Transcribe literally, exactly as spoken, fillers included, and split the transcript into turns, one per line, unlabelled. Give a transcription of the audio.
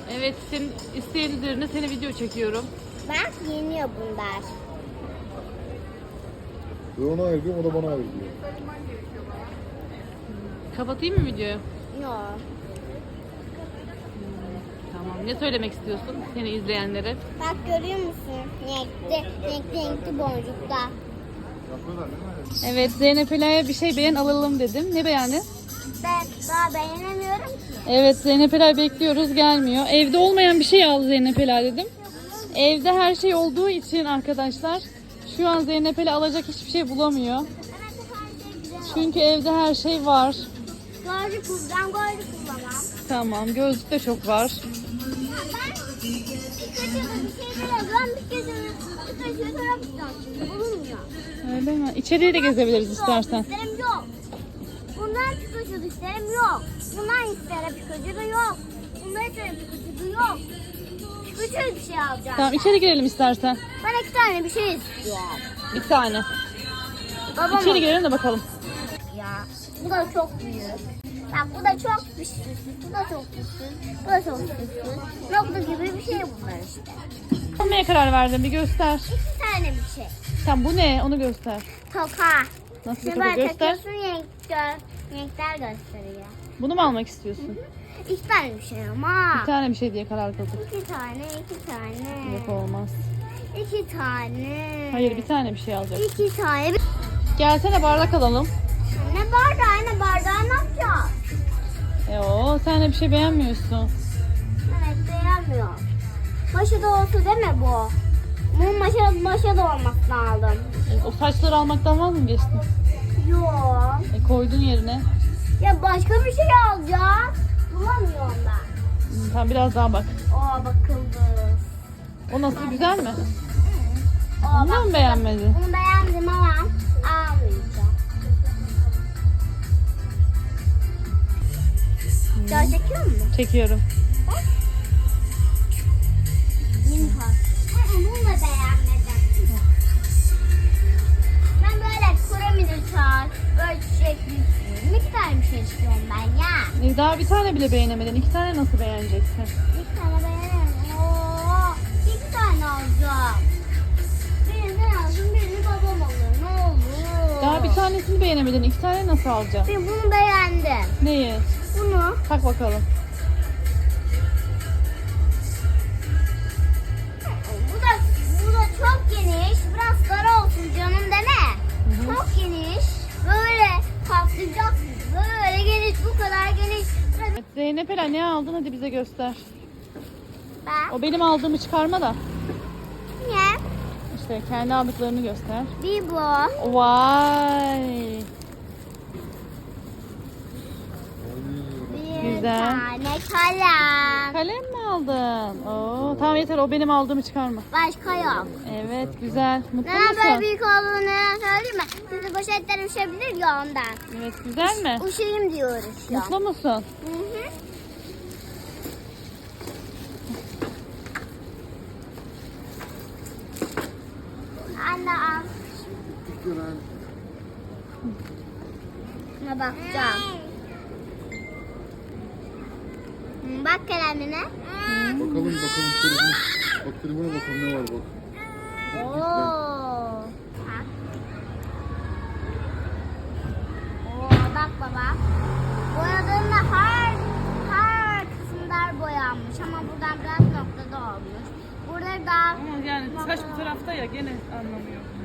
Evet, senin isteğin üzerine seni video çekiyorum.
Bak yeniyor bunlar.
Ben ona ayırıyorum, o da bana ayırıyor.
Kapatayım mı videoyu?
Yok.
Tamam. Ne söylemek istiyorsun seni izleyenlere?
Bak görüyor musun? Renkli, renkli, renkli boncuklar.
Evet, Zeynep Ela'ya bir şey beğen alalım dedim. Ne beğendin?
Ben daha beğenemiyorum ki.
Evet, Zeynep Ela bekliyoruz, gelmiyor. Evde olmayan bir şey al Zeynep Ela dedim. Evde her şey olduğu için arkadaşlar şu an Zeynep Ela alacak hiçbir şey bulamıyor.
Evet, her şey güzel.
Çünkü evde her şey var.
Gözlük kullan, gözlük kullanmam.
Tamam, gözlük de çok var.
Ben Pikachu'da bir şey görüyorum. Pikachu'yu Pikachu'yu tarafından şimdi bulunmuyor.
Öyle mi? İçeriye de gezebiliriz istersen.
İsterim yok. Bundan Pikachu isterim yok. Bundan isterim Pikachu da yok. Bundan isterim Pikachu da yok. Pikachu bir şey alacağım.
Tamam, içeri girelim istersen.
Ben iki tane bir şey istiyorum.
Bir tane.
Babam
İçeri girelim de bakalım.
ya. Bu da çok büyük. Bak bu da çok güçsüz. Bu da çok güçsüz. Bu da çok güçsüz. Nokta gibi bir şey bunlar işte.
Almaya karar verdim, bir göster.
İki tane bir şey.
Tamam, bu ne? Onu göster.
Toka.
Nasıl bir
Şimdi
toka
böyle
göster.
takıyorsun renk, gö- renkler gösteriyor.
Bunu mu almak istiyorsun?
İki tane bir şey ama.
Bir tane bir şey diye karar kıldık.
İki tane, iki tane.
Yok, olmaz.
İki tane.
Hayır, bir tane bir şey alacağız.
İki tane.
Gelsene, bardak alalım.
Ne bardağı, ne bardağı ne yapacağız?
E o, sen de bir şey beğenmiyorsun.
Evet beğenmiyorum. Maşa da olsa değil mi bu? Bunun maşa, maşa da olması lazım.
E, o saçları almaktan vaz mı geçtin?
Yok.
E, koydun yerine.
Ya başka bir şey alacağım. Bulamıyorum ben.
Hmm, tamam, biraz daha bak.
Aa bakıldı.
O nasıl, güzel mi?
Aa,
Onu da mı beğenmedin?
Bunu beğendim ama almayacağım. Daha çekiyor musun?
Çekiyorum.
Minhas. Bunu da beğenmedim. Ben böyle piramidi çağır, böyle çiçekli istiyorum. İki tane bir şey istiyorum ben ya.
E, daha bir tane bile beğenemedin. İki tane nasıl beğeneceksin?
İki tane beğenemem. Oo, iki tane alacağım. Birini sen alsın, birini babam alır. Ne olur.
Daha bir tanesini beğenemedin. İki tane nasıl alacaksın?
Ben bunu beğendim.
Neyi?
Bunu.
Tak bakalım.
Bu da, bu da çok geniş. Biraz dar olsun canım deme.
Hı hı.
Çok geniş. Böyle patlayacaksın. Böyle geniş, bu kadar geniş.
Evet, Zeynep Ela, ne aldın, hadi bize göster.
Ben.
O benim aldığımı çıkarma da.
Niye?
İşte kendi aldıklarını göster.
Bir bu.
Vay.
Bir
Güzel.
tane kalem.
Kalem mi aldın? Oo, tamam yeter, o benim aldığımı çıkarma.
Başka yok.
Evet, güzel. Mutlu
Neden böyle
musun?
büyük olduğunu söyleyeyim mi? Şimdi poşetler üşebilir ya ondan.
Evet, güzel mi?
Üşüyüm diyoruz şu an.
Mutlu musun?
Hı hı. Anne al. Şuna bakacağım. Hı, bak kalemine.
Bakalım bakalım telefona. Bak telefona bakalım ne var bak.
Oo. Bak. Oo, bak baba. Boyadığında her her kısımlar boyanmış ama buradan biraz noktada olmuş. Burada da
Ama yani saç bu tarafta ya, gene anlamıyor.